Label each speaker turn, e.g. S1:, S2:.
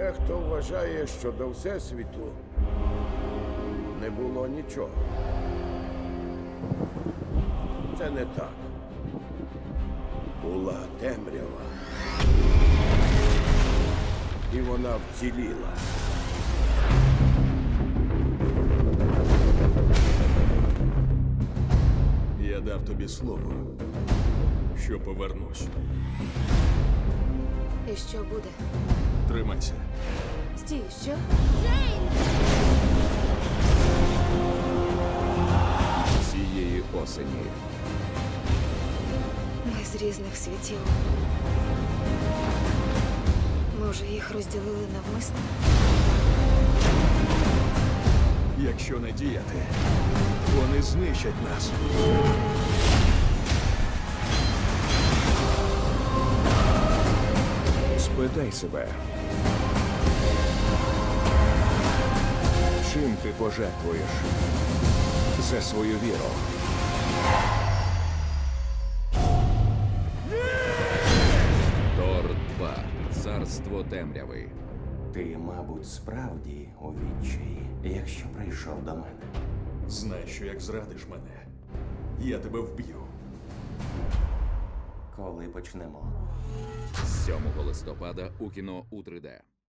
S1: Дехто вважає, що до Всесвіту не було нічого. Це не так. Була темрява. І вона вціліла.
S2: Я дав тобі слово, що повернусь.
S3: І що буде?
S2: Тримайся.
S3: Стій, що?
S4: Цієї осені
S3: Ми з різних світів. Може, їх розділили навмисно?
S2: Якщо не діяти, вони знищать нас.
S4: спитай себе. Чим ти пожертвуєш за свою віру? Тор 2. Царство темряви.
S5: Ти, мабуть, справді у відчаї, якщо прийшов до мене.
S2: Знай, що як зрадиш мене, я тебе вб'ю.
S5: Коли почнемо?
S4: 7 листопада у кіно у 3D.